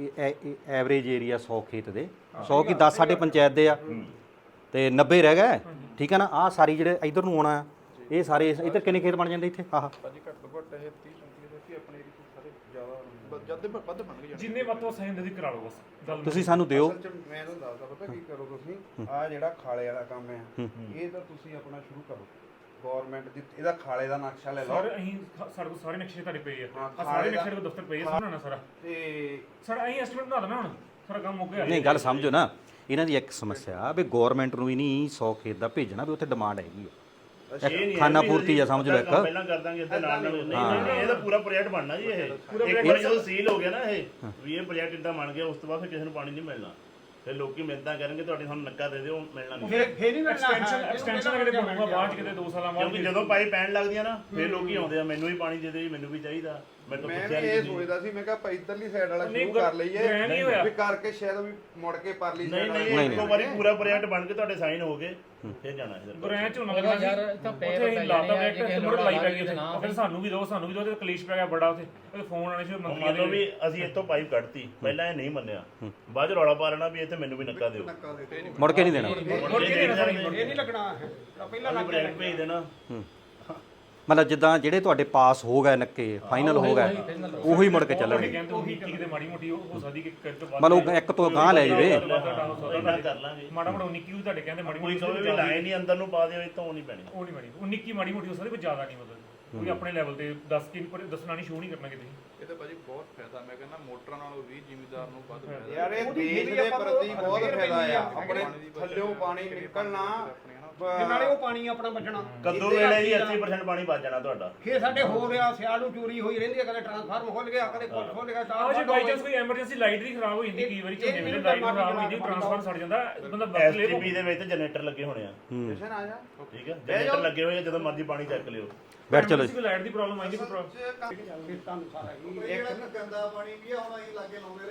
D: ਐਵਰੇਜ ਏਰੀਆ 100 ਖੇਤ ਦੇ 100 ਕੀ 10 ਸਾਡੇ ਪੰਚਾਇਤ ਦੇ ਆ ਤੇ 90 ਰਹਿ ਗਏ। ਠੀਕ ਹੈ ਨਾ। ਆਹ ਸਾਰੀ ਜਿਹੜੇ ਇਧਰ ਨੂੰ ਆਉਣਾ ਆ ਇਹ ਸਾਰੇ ਇੱਧਰ ਕਿੰਨੇ ਖੇਤ ਬਣ ਜਾਂਦੇ ਇੱਥੇ? ਆਹ
F: ਭਾਜੀ ਘੱਟੋ ਘੱਟ ਇਹ 30 35 ਦੇ ਆਪਣੇ ਏਰੀਆ ਸਾਰੇ ਜ਼ਿਆਦਾ ਜਦ ਵੱਧ ਬਣ ਗਏ।
B: ਜਿੰਨੇ ਵੱਧ ਤੋਂ ਸਹੀ ਹੁੰਦੇ ਕਰਾ ਲਓ ਬਸ ਗੱਲ।
D: ਤੁਸੀਂ ਸਾਨੂੰ ਦਿਓ।
F: ਅਸਲ ਚ ਮੈਂ ਤੁਹਾਨੂੰ ਦੱਸਦਾ ਪਤਾ ਕੀ ਕਰੋ ਤੁਸੀਂ, ਆ ਜਿਹੜਾ ਖਾਲੇ ਵਾਲਾ ਕੰਮ ਹੈ ਇਹ ਤਾਂ ਤੁਸੀਂ ਆਪਣਾ ਸ਼ੁਰੂ ਕਰੋ। ਗਵਰਨਮੈਂਟ ਦੀ ਇਹਦਾ ਖਾਲੇ ਦਾ ਨਕਸ਼ਾ ਲੈ ਲਓ।
B: ਸਰ ਅਸੀਂ ਸਾਡੇ ਕੋਲ ਸਾਰੇ ਨਕਸ਼ੇ ਤੁਹਾਡੇ ਪਏ ਆ।
F: ਹਾਂ,
B: ਆ ਸਾਰੇ ਨਕਸ਼ੇ ਦੇ ਦਫ਼ਤਰ ਪਏ ਆ, ਸਾਰਾ ਸਾਰਾ
F: ਤੇ
B: ਸਾਡਾ ਅਸੀਂ ਐਸਟੀਮੇਟ ਬਣਾ ਦੇਣਾ ਹੁਣ, ਸਾਰਾ ਕੰਮ ਮੁੱਕ ਗਿਆ।
D: ਨਹੀਂ ਗੱਲ ਸਮਝੋ ਨਾ, ਇਹਨਾਂ ਦੀ ਇੱਕ ਸਮੱਸਿਆ ਵੀ ਗਵਰਨਮੈਂਟ ਨੂੰ ਹੀ ਨਹੀਂ 100 ਖੇਤ ਦਾ ਭੇਜਣਾ ਵੀ ਉੱਥੇ ਡਿਮਾਂਡ ਹੈਗੀ ਆ। ਇੱਕ ਖਾਨਾ ਪੂਰਤੀ ਆ ਸਮਝ ਲਓ ਇੱਕ।
C: ਪਹਿਲਾਂ ਕਰ ਦਾਂਗੇ ਇੱਥੇ ਨਾਲ ਨਾਲ। ਨਹੀਂ ਇਹਦਾ ਪੂਰਾ ਪ੍ਰੋਜੈਕਟ ਬਣਨਾ ਜੀ। ਇਹ ਇੱਕ ਵਾਰ ਜਦੋਂ ਸੀਲ ਹੋ ਗਿਆ ਨਾ ਇਹ ਵੀ ਇਹ ਪ੍ਰੋਜੈਕਟ ਇਦਾਂ ਬਣ ਗਿਆ, ਉਸ ਤੋਂ ਬਾਅਦ ਫਿਰ ਕਿਸੇ ਨੂੰ ਪਾਣੀ ਨਹੀਂ ਮਿਲਣਾ। ਫਿਰ ਲੋਕੀ ਮਿਹਨਤਾਂ ਕਰਨਗੇ ਤੁਹਾਡੇ ਸਾਨੂੰ ਨੱਕਾ ਦੇ ਦਿਓ, ਮਿਲਣਾ ਨਹੀਂ।
E: ਫੇਰ ਨਹੀਂ ਮਿਲਣਾ।
B: ਐਕਸਟੈਂਸ਼ਨ ਕਿਤੇ ਬਣੂਗਾ ਬਾਅਦ ਚ, ਕਿਤੇ 2 ਸਾਲਾਂ ਬਾਅਦ।
C: ਕਿਉਂਕਿ ਜਦੋਂ ਪਾਈਪ ਪੈਣ ਲੱਗਦੀਆਂ ਨਾ ਫਿਰ ਲੋਕੀ ਆਉਂਦੇ ਆ, ਮੈਨੂੰ ਵੀ ਪਾਣੀ ਦੇ ਦਿਓ ਜੀ, ਮੈਨੂੰ ਵੀ ਚਾਹੀਦਾ। ਮੈਂ ਤਾਂ
F: ਮੈਂ
C: ਪੁੱਛਿਆ
F: ਵੀ
C: ਨਹੀਂ
F: ਇਹ
C: ਤੁਸੀਂ।
F: ਸੋਚਦਾ ਸੀ, ਮੈਂ ਕਿਹਾ ਆਪਾਂ ਇਧਰਲੀ ਸਾਈਡ ਵਾਲਾ
B: ਨਹੀਂ,
F: ਸ਼ੁਰੂ ਕਰ ਲਈਏ
B: ਨਹੀਂ ਹੋਇਆ।
F: ਵੀ ਕਰਕੇ ਸ਼ਾਇਦ ਵੀ ਮੁੜ ਕੇ ਪਰਲੀ
C: ਨਹੀਂ
F: ਸਾਈਡ
C: ਨਹੀਂ ਇੱਕ ਵਾਰੀ ਪੂਰਾ ਪ੍ਰੋਜੈਕਟ ਬਣ ਕੇ ਤੁਹਾਡੇ ਸਾਈਨ ਹੋ ਗਏ ਫਿਰ ਜਾਣਾ ਇਹਦਾ।
B: ਬ੍ਰਾਂਚ ਹੋਣਾ
A: ਉਹਦਾ
B: ਲੱਗਣਾ
A: ਯਾਰ
B: ਸੀ।
A: ਇੱਥੇ
B: ਉੱਥੇ
A: ਪੈਪ
B: ਅਸੀਂ
A: ਪੈ
B: ਲਾਤਾ
A: ਜਾਣੇ ਆ,
B: ਬੈਕ ਤੇ ਮੁੜ ਲਾਈ ਪੈ ਗਈ ਉੱਥੇ। ਫਿਰ ਸਾਨੂੰ ਵੀ ਦਿਓ ਤੇ ਕਲੇਸ਼ ਪੈ ਗਿਆ ਬੜਾ ਉੱਥੇ। ਉਹਦੇ ਫੋਨ ਆਣੇ ਸੀ ਮੰਤਰੀਆਂ
C: ਮੰਨ ਲਓ
B: ਦੇ।
C: ਵੀ ਅਸੀਂ ਇੱਥੋਂ ਪਾਈਪ ਕੱਢਤੀ, ਪਹਿਲਾਂ ਇਹ ਨਹੀਂ ਮੰਨਿਆ, ਬਾਅਦ ਚ ਰੌਲਾ ਪਾ ਲੈਣਾ ਵੀ ਇੱਥੇ ਮੈਨੂੰ ਵੀ ਨੱਕਾ ਦਿਓ।
D: ਮੁੜ ਕੇ ਨਹੀਂ ਦੇਣਾ।
B: ਮੁੜ ਕੇ ਨਹੀਂ ਦੇਣਾ।
E: ਇਹ ਨਹੀਂ ਲੱਗਣਾ। ਪਹਿਲਾਂ ਲੱਗ
C: ਪ੍ਰੋਜੈਕਟ ਭੇਜ ਦੇਣਾ।
D: ਮਤਲਬ ਜਿੱਦਾਂ ਜਿਹੜੇ ਤੁਹਾਡੇ ਪਾਸ ਹੋ ਗਏ ਨੱਕੇ ਫਾਈਨਲ ਹੋ ਗਏ ਉਹੀ ਮੁੜ ਕੇ ਚੱਲਣਗੇ।
B: ਕਹਿੰਦੇ ਉਹੀ ਕਿਤੇ ਮਾੜੀ ਮੋਟੀ ਹੋ ਸਕਦੀ ਕਿ ਕਰ ਤੋਂ ਬਾਅਦ
D: ਮਤਲਬ ਇੱਕ ਤੋਂ ਗਾਂ ਲੈ ਜਾਵੇ।
C: ਇੰਨਾ ਕਰ ਲਾਂਗੇ।
B: ਮਾੜਾ ਮੋੜਾ 19 ਵੀ ਤੁਹਾਡੇ ਕਹਿੰਦੇ ਮਾੜੀ
C: ਕੋਈ
B: ਮੋਟੀ
C: ਕਹੇ ਵੀ ਲਾਈਨ ਹੀ ਅੰਦਰ ਨੂੰ ਪਾ ਦਿਓ, ਇੱਥੋਂ ਨਹੀਂ ਪੈਣੀ।
B: ਉਹ ਨਹੀਂ ਮਾੜੀ 19 ਮਾੜੀ ਮੋਟੀ ਹੋ ਸਕਦੀ, ਪਰ ਜ਼ਿਆਦਾ ਨਹੀਂ ਮਤਲਬ ਕੋਈ ਆਪਣੇ ਲੈਵਲ ਤੇ 10 ਕਿ ਪਰ ਦੱਸਣਾ ਨਹੀਂ, ਸ਼ੋਅ ਨਹੀਂ ਕਰਨਾ ਕਿਤੇ।
G: ਇਹ ਤਾਂ ਭਾਜੀ ਬਹੁਤ ਫਾਇਦਾ, ਮੈਂ ਕਹਿੰਦਾ ਮੋਟਰਾਂ ਨਾਲੋਂ ਵੀ ਜ਼ਿਮੀਦਾਰ ਨੂੰ ਵੱਧ ਫਾਇਦਾ।
F: ਯਾਰ ਇਹ ਦੇਸ਼ ਦੇ ਪ੍ਰਤੀ ਬਹੁਤ ਫਾਇਦਾ ਆ। ਆਪਣੇ ਥੱਲਿਓਂ ਪਾਣੀ ਨਿਕਲਣਾ
E: ਨਾਲੇ ਉਹ ਪਾਣੀ ਆਪਣਾ ਬਚਣਾ।
C: ਕੱਦੂ ਵੇਲੇ ਜੀ 80% ਪਾਣੀ ਬਚ ਜਾਣਾ ਤੁਹਾਡਾ।
E: ਫੇਰ ਸਾਡੇ ਹੋ ਰਿਹਾ ਸਿਆਲ ਨੂੰ ਚੋਰੀ ਹੋਈ ਰਹਿੰਦੀ ਹੈ, ਕਦੇ ਟਰਾਂਸਫਾਰਮਰ ਖੁੱਲ ਗਿਆ, ਕਦੇ ਕੁਝ ਖੁੱਲ ਗਿਆ।
B: ਆਹ ਜੇ ਬਾਈ ਚਾਂਸ ਕੋਈ ਐਮਰਜੈਂਸੀ ਲਾਈਟ ਵੀ ਖਰਾਬ ਹੋ ਜਾਂਦੀ, ਕਈ ਵਾਰੀ ਝੋਨੇ ਵੇਲੇ ਲਾਈਟ ਖਰਾਬ ਹੋ ਜਾਂਦੀ, ਟਰਾਂਸਫਾਰਮਰ ਸੜ ਜਾਂਦਾ, ਬੰਦਾ ਵਰਤ ਲੇ।
C: ਐਸਟੀਪੀ ਦੇ ਵਿੱਚ ਜਨਰੇਟਰ ਲੱਗੇ ਹੋਣੇ ਆ।
F: ਜਸ਼ਨ ਆ ਜਾ।
C: ਠੀਕ ਹੈ, ਜਨਰੇਟਰ ਲੱਗੇ ਹੋਏ ਆ, ਜਦੋਂ ਮਰਜ਼ੀ ਪਾਣੀ ਚੱਕ ਲਿਓ।
D: ਬੈਠ ਚਲੋ
B: ਕੋਈ ਲਾਈਟ ਦੀ ਪ੍ਰੋਬਲਮ ਆਈ ਨਹੀਂ, ਕੋਈ ਪ੍ਰੋਬਲਮ
E: ਖੇਤਾਂ ਨੂੰ ਸਾਰਾ ਹੀ
H: ਗੰਦਾ ਪਾਣੀ ਵੀ ਆ, ਹੁਣ ਅਸੀਂ ਲਾਗੇ ਲਾਉਂਦੇ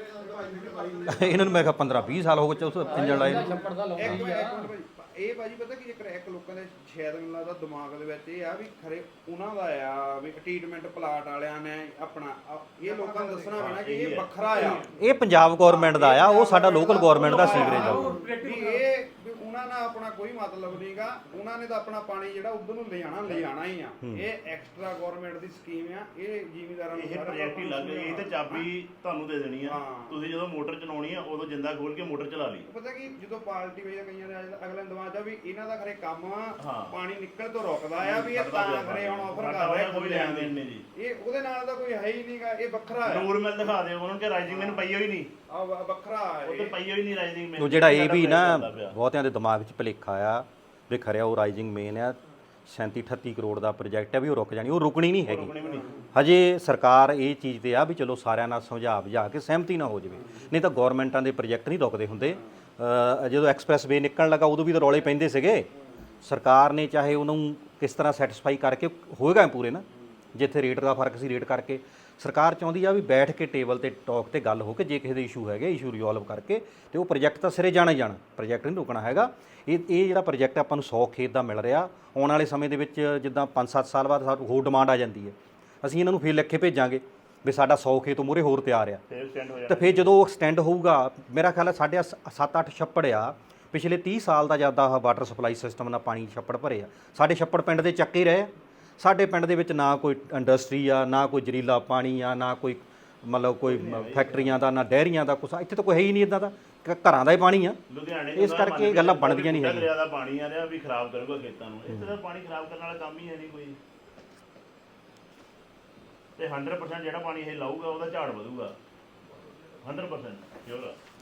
H: ਰਹੇ
D: ਇਹਨਾਂ ਨੂੰ ਮੈਂ ਕਿਹਾ 15-20 ਸਾਲ ਹੋ ਗਏ ਉਸ ਇੰਜਣ ਲਾਏ ਨੂੰ।
A: ਛੱਪੜ ਦਾ ਲਾਉਂਦਾ
F: ਇੱਕ
A: ਹੀ
F: ਮਿੰਟ
A: ਆ।
F: ਭਾਜੀ, ਇਹ ਭਾਜੀ ਪਤਾ ਕੀ ਚੱਕਰ, ਇੱਕ ਲੋਕਾਂ ਦੇ ਸ਼ਾਇਦ ਮੈਨੂੰ ਲੱਗਦਾ ਦਿਮਾਗ ਦੇ ਵਿੱਚ ਇਹ ਆ ਵੀ ਖਰੇ ਉਹਨਾਂ ਦਾ ਆ ਵੀ ਟ੍ਰੀਟਮੈਂਟ ਪਲਾਟ ਵਾਲਿਆਂ ਨੇ ਆਪਣਾ ਇਹ ਲੋਕਾਂ ਨੂੰ ਦੱਸਣਾ ਪੈਣਾ ਕਿ ਇਹ ਵੱਖਰਾ ਆ।
D: ਇਹ ਪੰਜਾਬ ਗਵਰਨਮੈਂਟ ਦਾ ਆ, ਉਹ ਸਾਡਾ ਲੋਕਲ ਗਵਰਨਮੈਂਟ ਦਾ ਸੀਵਰੇਜ ਆ।
F: ਵੀ ਇਹ ਵੀ ਉਹਨਾਂ ਨਾਲ ਆਪਣਾ ਕੋਈ ਮਤਲਬ ਨਹੀਂਗਾ, ਉਹਨਾਂ ਨੇ ਤਾਂ ਆਪਣਾ ਪਾਣੀ ਜਿਹੜਾ ਉਧਰ ਨੂੰ ਲਿਜਾਣਾ ਹੀ ਆ। ਇਹ ਐਕਸਟਰਾ ਗਵਰਨਮੈਂਟ ਦੀ ਸਕੀਮ ਆ, ਇਹ ਜ਼ਿਮੀਦਾਰਾਂ ਨੂੰ
C: ਇਹ ਪ੍ਰੋਜੈਕਟ ਹੀ ਲੱਗ ਇਹ ਤੇ ਚਾਬੀ ਤੁਹਾਨੂੰ ਦੇ ਦੇਣੀ ਆ। ਤੁਸੀਂ ਜਦੋਂ ਮੋਟਰ ਚਲਾਉਣੀ ਆ ਉਦੋਂ ਜਿੰਦਾ ਖੋਲ ਕੇ ਮੋਟਰ ਚਲਾ ਲਈ।
F: ਪਤਾ ਕੀ ਜਦੋਂ ਪਾਰਟੀ ਵਜਾ ਕਈਆਂ ਦੇ ਅਗਲੇ ਦਿਮਾਗ ਆ ਵੀ ਇਹਨਾਂ ਦਾ ਖਰੇ ਕੰਮ ਪਾਣੀ ਨਿਕਲ ਤੋਂ ਰੁਕਦਾ ਆ, ਵੀ ਇਹ ਤਾਂ ਖਰੇ ਹੁਣ ਆਫਰ ਕਰ ਰਿਹਾ
C: ਕੋਈ ਲੈਣ ਦੇਣ ਨਹੀਂ ਜੀ।
F: ਇਹ ਉਹਦੇ ਨਾਲ ਤਾਂ ਕੋਈ ਹੈ ਹੀ ਨਹੀਂਗਾ, ਇਹ ਵੱਖਰਾ ਆ।
C: ਨੂਰ ਮਿਲ ਦਿਖਾ ਦਿਓ ਉਹਨਾਂ ਨੂੰ ਕਿ ਰਾਈਜ਼ਿੰਗ ਮੈਨੂੰ ਪਈ ਹੋਈ ਨਹੀਂ,
F: ਆ ਵੱਖਰਾ ਆ
C: ਉਹ ਤੇ ਪਈ ਹੋਈ ਨਹੀਂ ਰਾਈਜ਼ਿੰਗ ਮੈਨੂੰ।
D: ਉਹ ਜਿਹੜਾ ਇਹ ਵੀ ਨਾ ਬਹੁਤਿਆਂ ਦੇ ਦਿਮਾਗ 'ਚ ਭੁਲੇਖਾ ਆ ਵੀ ਖਰਿਆ ਉਹ ਰਾਈਜ਼ਿੰਗ ਮੇਨ ਆ 37-38 ਕਰੋੜ ਦਾ ਪ੍ਰੋਜੈਕਟ ਹੈ ਵੀ ਉਹ ਰੁਕ ਜਾਣੀ, ਉਹ ਰੁਕਣੀ ਨਹੀਂ ਹੈਗੀ। ਹਜੇ ਸਰਕਾਰ ਇਹ ਚੀਜ਼ ਤੇ ਆ ਵੀ ਚਲੋ ਸਾਰਿਆਂ ਨਾਲ ਸਮਝਾ ਬੁਝਾ ਕੇ ਸਹਿਮਤੀ ਨਾ ਹੋ ਜਾਵੇ, ਨਹੀਂ ਤਾਂ ਗਵਰਨਮੈਂਟਾਂ ਦੇ ਪ੍ਰੋਜੈਕਟ ਨਹੀਂ ਰੁਕਦੇ ਹੁੰਦੇ। ਜਦੋਂ ਐਕਸਪ੍ਰੈਸ ਵੇ ਨਿਕਲਣ ਲੱਗਾ ਉਦੋਂ ਵੀ ਤਾਂ ਰੌਲੇ ਪੈਂਦੇ ਸੀਗੇ। ਸਰਕਾਰ ਨੇ ਚਾਹੇ ਉਹਨੂੰ ਕਿਸ ਤਰ੍ਹਾਂ ਸੈਟੀਸਫਾਈ ਕਰਕੇ ਹੋਏਗਾ ਪੂਰੇ ਨਾ, ਜਿੱਥੇ ਰੇਟ ਦਾ ਫਰਕ ਸੀ ਰੇਟ ਕਰਕੇ ਸਰਕਾਰ ਚਾਹੁੰਦੀ ਆ ਵੀ ਬੈਠ ਕੇ ਟੇਬਲ ਤੇ ਟਾਕ ਤੇ ਗੱਲ ਹੋ ਕੇ ਜੇ ਕਿਸੇ ਦੇ ਇਸ਼ੂ ਹੈਗੇ ਇਸ਼ੂ ਰਿਜ਼ੋਲਵ ਕਰਕੇ ਤੇ ਉਹ ਪ੍ਰੋਜੈਕਟ ਤਾਂ ਸਿਰੇ ਜਾਣਾ ਹੀ ਜਾਣਾ, ਪ੍ਰੋਜੈਕਟ ਨਹੀਂ ਰੁਕਣਾ ਹੈਗਾ। ਇਹ ਜਿਹੜਾ ਪ੍ਰੋਜੈਕਟ ਆਪਾਂ ਨੂੰ 100 ਖੇਤ ਦਾ ਮਿਲ ਰਿਹਾ, ਆਉਣ ਵਾਲੇ ਸਮੇਂ ਦੇ ਵਿੱਚ ਜਿੱਦਾਂ 5-7 ਸਾਲ ਬਾਅਦ ਸਾਨੂੰ ਹੋਰ ਡਿਮਾਂਡ ਆ ਜਾਂਦੀ ਹੈ, ਅਸੀਂ ਇਹਨਾਂ ਨੂੰ ਫੇਰ ਲਿਖ ਕੇ ਭੇਜਾਂਗੇ ਵੀ ਸਾਡਾ 100 ਖੇਤ ਮੂਹਰੇ ਹੋਰ ਤਿਆਰ ਆ।
C: ਫਿਰ ਸਟੈਂਡ ਹੋ
D: ਤੇ ਫਿਰ ਜਦੋਂ ਉਹ ਐਕਸਟੈਂਡ ਹੋਊਗਾ, ਮੇਰਾ ਖਿਆਲ ਹੈ ਸਾਡੇ 7-8 ਛੱਪੜ ਆ ਪਿਛਲੇ 30 ਸਾਲ ਦਾ ਜਿਆਦਾ ਵਾਟਰ ਸਪਲਾਈ ਸਿਸਟਮ ਨਾਲ ਪਾਣੀ ਛੱਪੜ ਭਰੇ ਆ। ਸਾਡੇ ਛੱਪੜ ਪਿੰਡ ਦੇ ਚੱਕੇ ਰਹੇ। ਸਾਡੇ ਪਿੰਡ ਦੇ ਵਿੱਚ ਨਾ ਕੋਈ ਇੰਡਸਟਰੀ ਆ, ਨਾ ਕੋਈ ਜ਼ਰੀਲਾ ਪਾਣੀ ਆ, ਨਾ ਕੋਈ ਮਤਲਬ ਕੋਈ ਫੈਕਟਰੀਆਂ ਦਾ, ਨਾ ਡੈਰੀਆਂ ਦਾ, ਕੁਛ ਇੱਥੇ ਤਾਂ ਕੋਈ ਹੈ ਹੀ ਨਹੀਂ ਇਦਾਂ ਦਾ, ਘਰਾਂ ਦਾ ਹੀ ਪਾਣੀ ਆ।
C: ਲੁਧਿਆਣੇ
D: ਇਸ ਕਰਕੇ ਇਹ ਗੱਲਾਂ ਬਣਦੀਆਂ ਨਹੀਂ ਹੈਗੀਆਂ।
C: ਦਰਿਆ ਦਾ ਪਾਣੀ ਆ ਰਿਹਾ ਵੀ ਖਰਾਬ ਕਰੂਗਾ ਖੇਤਾਂ ਨੂੰ, ਇੱਥੇ ਦਾ ਪਾਣੀ ਖਰਾਬ ਕਰਨ ਵਾਲਾ ਕੰਮ ਹੀ ਹੈ ਨਹੀਂ ਕੋਈ। ਤੇ 100% ਜਿਹੜਾ ਪਾਣੀ ਇਹ ਲਾਊਗਾ ਉਹਦਾ ਝਾੜ ਵਧੂਗਾ 100% ਸ਼ੋਰ।